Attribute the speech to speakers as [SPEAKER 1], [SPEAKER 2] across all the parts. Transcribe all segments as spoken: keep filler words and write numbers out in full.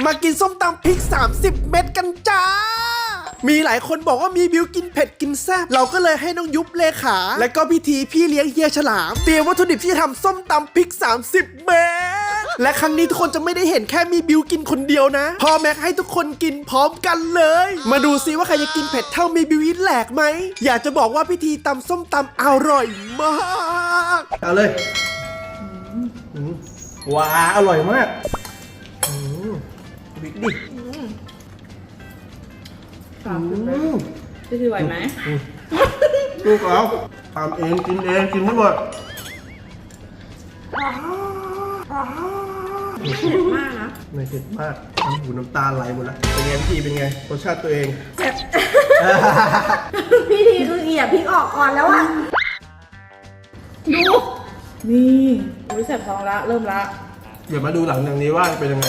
[SPEAKER 1] มากินส้มตำพริกสามสิบเม็ดกันจ้ามีหลายคนบอกว่ามีบิวกินเผ็ดกินแซ่บเราก็เลยให้น้องยุบเลขาและก็พิธีพี่เลี้ยงเฮียฉลามเตรียมวัตถุดิบที่จะทำส้มตำพริกสามสิบเม็ดและครั้งนี้ทุกคนจะไม่ได้เห็นแค่มีบิวกินคนเดียวนะพอแม็กให้ทุกคนกินพร้อมกันเลยมาดูซิว่าใครจะกินเผ็ดเท่ามีบิวอินแหลกไหมอยากจะบอกว่าพิธีตำส้มตำอร่อยมากเอาเลยว้าอร่อยมากบิ๊กดิ
[SPEAKER 2] พี่ทีไหวไหม
[SPEAKER 1] ลูกเอาทำเองกินเองกินไม่หมด
[SPEAKER 2] เผ็ดมากนะ
[SPEAKER 1] ไม่เผ็ดมากน้ำหูน้ำตาไหลหมดแล้วเป็นไงพี่เป็นไงรสชาติตัวเอง
[SPEAKER 2] พี่ทีคือเหยียบพริกออกก่อนแล้วอะดูนี่อุ้ยแสบท้องละเริ่มละ
[SPEAKER 1] เดี๋ยวมาดูหลังจากนี้ว่าเป็นยังไง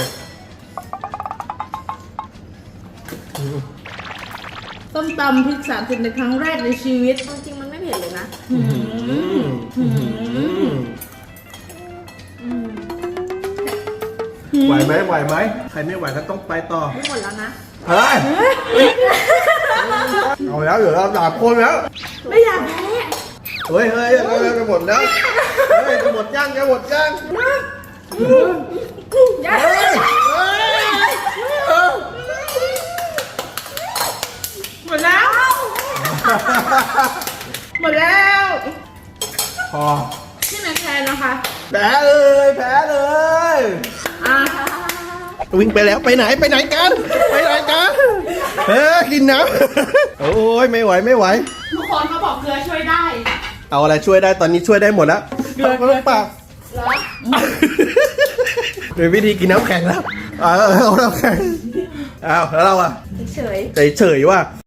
[SPEAKER 2] ส้มตำพริกสามสิบในครั้งแรกในชีวิต
[SPEAKER 3] จริงๆมันไม่เผ็ดเลยนะ
[SPEAKER 1] ไหวไหมไหวไหมใครไม่ไหวก็ต้องไปต่อ
[SPEAKER 3] ไม่หมดแล้วนะ
[SPEAKER 1] เฮ้ยเอาแล้วเหลือเราสามคนแล้ว
[SPEAKER 2] ไม่อยากแพ้
[SPEAKER 1] เฮ้ยเฮ้ยจะหมดแล้วเฮ้ยจะหมดย่างจะหมดย่าง
[SPEAKER 2] หมดแล้วหมดแล้ว
[SPEAKER 1] พอ
[SPEAKER 2] ที่ไหนแพ้นะคะ
[SPEAKER 1] แพ้เลยแพ้เลย
[SPEAKER 2] อ่ะ
[SPEAKER 1] วิ่งไปแล้วไปไหนไปไหนกันไปไหนกันเฮ้ยกินน้ำโอ้ยไม่ไหวไม่ไหว
[SPEAKER 2] ทุกคนเขาบอกเกลือช่วยได้
[SPEAKER 1] เอาอะไรช่วยได้ตอนนี้ช่วยได้หมดแล้วเกลือเกลือปาก
[SPEAKER 2] เหรอ
[SPEAKER 1] เป็นวิธีกินน้ำแข็งแล้วเอาเอาน้ำแข็งเอาแล้วเราอะ
[SPEAKER 3] เฉย
[SPEAKER 1] เฉยๆว่า